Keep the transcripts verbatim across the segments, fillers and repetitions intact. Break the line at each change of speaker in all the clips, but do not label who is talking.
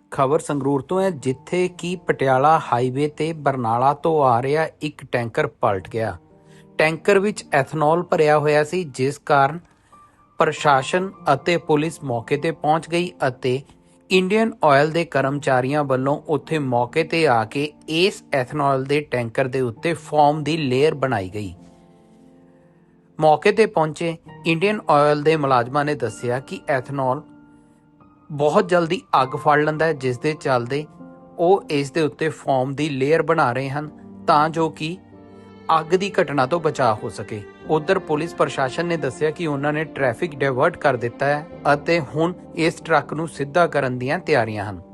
ਖਬਰ ਸੰਗਰੂਰ ਤੋਂ ਹੈ, ਜਿੱਥੇ ਕਿ ਪਟਿਆਲਾ ਹਾਈਵੇ ਤੇ ਬਰਨਾਲਾ ਤੋਂ ਆ ਰਿਹਾ ਇੱਕ ਟੈਂਕਰ ਪਲਟ ਗਿਆ। ਟੈਂਕਰ ਵਿੱਚ ਐਥਨੋਲ ਭਰਿਆ ਹੋਇਆ ਸੀ, ਜਿਸ ਕਾਰਨ ਪ੍ਰਸ਼ਾਸਨ ਅਤੇ ਪੁਲਿਸ ਮੌਕੇ ਤੇ ਪਹੁੰਚ ਗਈ ਅਤੇ ਇੰਡੀਅਨ ਆਇਲ ਦੇ ਕਰਮਚਾਰੀਆਂ ਵੱਲੋਂ ਉੱਥੇ ਮੌਕੇ ਤੇ ਆ ਕੇ ਇਸ ਐਥਨੋਲ ਦੇ ਟੈਂਕਰ ਦੇ ਉੱਤੇ ਫੋਮ ਦੀ ਲੇਅਰ ਬਣਾਈ ਗਈ। ਮੌਕੇ ਤੇ ਪਹੁੰਚੇ ਇੰਡੀਅਨ ਆਇਲ ਦੇ ਮੁਲਾਜ਼ਮਾਂ ਨੇ ਦੱਸਿਆ ਕਿ ਐਥਨੋਲ ਬਹੁਤ ਜਲਦੀ ਅੱਗ ਫੜ ਲੈਂਦਾ ਹੈ, ਜਿਸ ਦੇ ਚੱਲਦੇ ਉਹ ਇਸ ਦੇ ਉੱਤੇ ਫੋਮ ਦੀ ਲੇਅਰ ਬਣਾ ਰਹੇ ਹਨ ਤਾਂ ਜੋ ਕਿ ਅੱਗ ਦੀ ਘਟਨਾ ਤੋਂ ਬਚਾਅ ਹੋ ਸਕੇ। ਉਧਰ ਪੁਲਿਸ ਪ੍ਰਸ਼ਾਸਨ ਨੇ ਦੱਸਿਆ ਕਿ ਉਹਨਾਂ ਨੇ ਟ੍ਰੈਫਿਕ ਡਾਇਵਰਟ ਕਰ ਦਿੱਤਾ ਹੈ ਅਤੇ ਹੁਣ ਇਸ ਟਰੱਕ ਨੂੰ ਸਿੱਧਾ ਕਰਨ ਦੀਆਂ ਤਿਆਰੀਆਂ ਹਨ।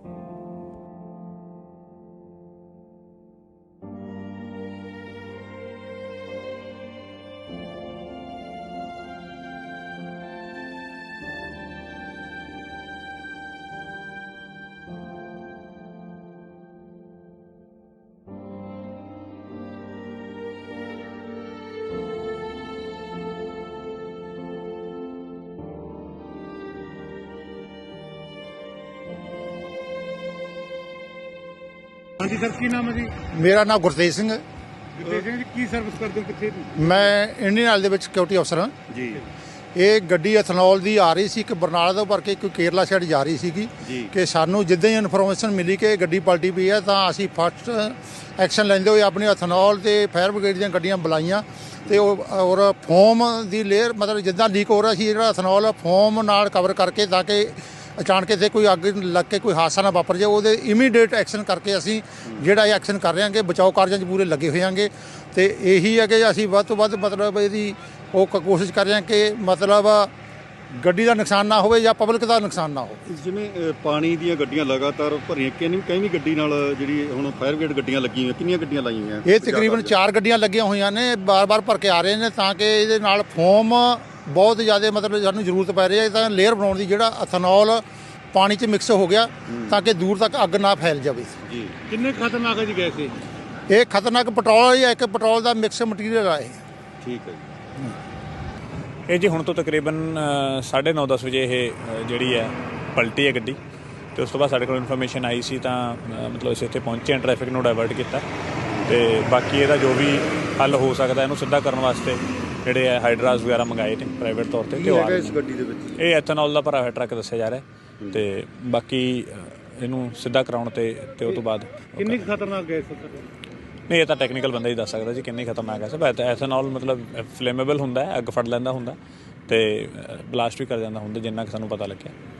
हाँ जी सर, की नाम है जी?
मेरा नाम गुरतेज सिंह है।
गुरतेज सिंह जी, की सर्विस करते हो किथे दी?
मैं ਇੰਡੀਅਨ ਆਇਲ ਦੇ ਵਿੱਚ ਸਿਕਿਉਰਿਟੀ ਅਫਸਰ ਹਾਂ
जी
ਇਹ ਗੱਡੀ ਐਥਨੋਲ ਦੀ ਆ ਰਹੀ ਸੀ, ਇੱਕ ਬਰਨਾਲਾ ਤੋਂ ਭਰ ਕੇ ਕੋਈ ਕੇਰਲਾ ਸਾਈਡ ਜਾ ਰਹੀ ਸੀਗੀ
ਜੀ।
ਕਿ ਸਾਨੂੰ ਜਿੱਦਾਂ ਹੀ ਇਨਫੋਰਮੇਸ਼ਨ ਮਿਲੀ ਕਿ ਗੱਡੀ ਪਲਟੀ ਪਈ ਹੈ ਤਾਂ ਅਸੀਂ ਫਸਟ ਐਕਸ਼ਨ ਲੈਂਦੇ ਹੋਏ ਆਪਣੀ ਐਥਨੋਲ ਤੇ ਫਾਇਰ ਬ੍ਰਿਗੇਡ ਦੀਆਂ ਗੱਡੀਆਂ ਬੁਲਾਈਆਂ ਤੇ ਉਹ ਔਰ ਫੋਮ ਦੀ ਲੇਅਰ ਮਤਲਬ ਜਿੱਦਾਂ ਲੀਕ ਹੋ ਰਿਹਾ ਸੀ ਜਿਹੜਾ ਐਥਨੋਲ ਫੋਮ ਨਾਲ ਕਵਰ ਕਰਕੇ ਤਾਂ ਕਿ ਅਚਾਨਕ ਇੱਥੇ ਕੋਈ ਅੱਗ ਲੱਗ ਕੇ ਕੋਈ ਹਾਦਸਾ ਨਾ ਵਾਪਰ ਜਾਏ, ਉਹਦੇ ਇਮੀਡੀਏਟ ਐਕਸ਼ਨ ਕਰਕੇ ਅਸੀਂ ਜਿਹੜਾ ਇਹ ਐਕਸ਼ਨ ਕਰ ਰਹੇ ਹਾਂ ਕਿ ਬਚਾਓ ਕਾਰਜਾਂ 'ਚ ਪੂਰੇ ਲੱਗੇ ਹੋਏ ਹਾਂਗੇ। ਤੇ ਇਹੀ ਹੈ ਕਿ ਅਸੀਂ ਵੱਧ ਤੋਂ ਵੱਧ ਮਤਲਬ ਇਹਦੀ ਉਹ ਕ- ਕੋਸ਼ਿਸ਼ ਕਰ ਰਹੇ ਹਾਂ ਕਿ ਮਤਲਬ ਗੱਡੀ ਦਾ ਨੁਕਸਾਨ ਨਾ ਹੋਵੇ ਜਾਂ ਪਬਲਿਕ ਦਾ ਨੁਕਸਾਨ ਨਾ ਹੋਵੇ।
ਜਿਵੇਂ ਅ, ਪਾਣੀ ਦੀਆਂ ਗੱਡੀਆਂ ਲਗਾਤਾਰ ਭਰੀਆਂ, ਕਿੰਨੀ ਕਈ ਗੱਡੀ ਨਾਲ ਜਿਹੜੀ ਹੁਣ ਫਾਇਰ ਬ੍ਰਿਗੇਡ ਗੱਡੀਆਂ ਲੱਗੀਆਂ ਹੋਈਆਂ, ਕਿੰਨੀਆਂ ਗੱਡੀਆਂ ਲਾਈਆਂ ਹੋਈਆਂ?
ਇਹ ਤਕਰੀਬਨ ਚਾਰ ਗੱਡੀਆਂ ਲੱਗੀਆਂ ਹੋਈਆਂ ਨੇ, ਬਾਰ-ਬਾਰ ਭਰ ਕੇ ਆ ਰਹੇ ਨੇ ਤਾਂ ਕਿ ਇਹਦੇ ਨਾਲ ਫੋਮ ਬਹੁਤ ਜ਼ਿਆਦਾ ਮਤਲਬ ਸਾਨੂੰ ਜ਼ਰੂਰਤ ਪੈ ਰਹੀ ਹੈ ਤਾਂ ਲੇਅਰ ਬਣਾਉਣ ਦੀ, ਜਿਹੜਾ ਐਥਨੋਲ ਪਾਣੀ 'ਚ ਮਿਕਸ ਹੋ ਗਿਆ ਤਾਂ ਕਿ ਦੂਰ ਤੱਕ ਅੱਗ ਨਾ ਫੈਲ ਜਾਵੇ।
ਜੀ
किन्ने खतरनाक है जी गैस ये?
ਇਹ ਖਤਰਨਾਕ ਪੈਟਰੋਲ ਜਾਂ ਇੱਕ ਪੈਟਰੋਲ ਦਾ ਮਿਕਸ ਮਟੀਰੀਅਲ ਆ ਇਹ।
ਠੀਕ ਹੈ ਜੀ।
ਇਹ ਜੀ ਹੁਣ ਤੋਂ ਤਕਰੀਬਨ ਸਾਢੇ ਨੌ ਦਸ ਵਜੇ ਇਹ ਅ, ਜਿਹੜੀ ਹੈ ਪਲਟੀ ਹੈ ਗੱਡੀ ਤੇ ਉਸ ਤੋਂ ਬਾਅਦ ਸਾਡੇ ਕੋਲ ਇਨਫੋਰਮੇਸ਼ਨ ਆਈ ਸੀ ਤਾਂ ਅ, ਮਤਲਬ ਅਸੀਂ ਇੱਥੇ ਪਹੁੰਚੇ ਹਾਂ, ਟ੍ਰੈਫਿਕ ਨੂੰ ਡਾਇਵਰਟ ਕੀਤਾ ਤੇ ਬਾਕੀ ਇਹਦਾ ਜੋ ਵੀ ਹੱਲ ਹੋ ਸਕਦਾ ਇਹਨੂੰ ਸਿੱਧਾ ਕਰਨ ਵਾਸਤੇ ਜਿਹੜੇ ਹੈ ਹਾਈਡਰਾਸ ਵਗੈਰਾ ਮੰਗਾਏ ਨੇ ਪ੍ਰਾਈਵੇਟ ਤੌਰ ਤੇ
ਕੀ
ਤੇ ਉਹ ਆ
ਹੈਗਾ
ਰਹੇ
ਇਸ
ਨੇ।
ਗੱਡੀ ਦੇ ਵਿੱਚ?
ਇਹ ਐਥਨੋਲ ਦਾ ਭਰਾ ਹੋਇਆ ਟਰੱਕ ਦੱਸਿਆ ਜਾ ਰਿਹਾ ਹੈ ਤੇ ਬਾਕੀ ਅ, ਇਹਨੂੰ ਸਿੱਧਾ ਕਰਾਉਣ ਤੇ ਤੇ ਉਹ ਤੋਂ ਬਾਅਦ ਉਹ
किन्नी
ਕਰ-
खतरनाक गैस है सर?
ਨਹੀਂ ਇਹ ਤਾਂ ਟੈਕਨੀਕਲ ਬੰਦਾ ਹੀ ਦੱਸ ਸਕਦਾ ਜੀ ਕਿੰਨੀ ਖਤਰਨਾਕ ਹੈ। ਸਭ ਐਥਨੋਲ ਮਤਲਬ ਫਲੇਮੇਬਲ ਹੁੰਦਾ ਹੈ, ਅੱਗ ਫੜ ਲੈਂਦਾ ਹੁੰਦਾ ਤੇ ਬਲਾਸਟ ਵੀ ਕਰ ਜਾਂਦਾ ਹੁੰਦਾ ਜਿੰਨਾ ਕਿ ਸਾਨੂੰ ਪਤਾ ਲੱਗਿਆ।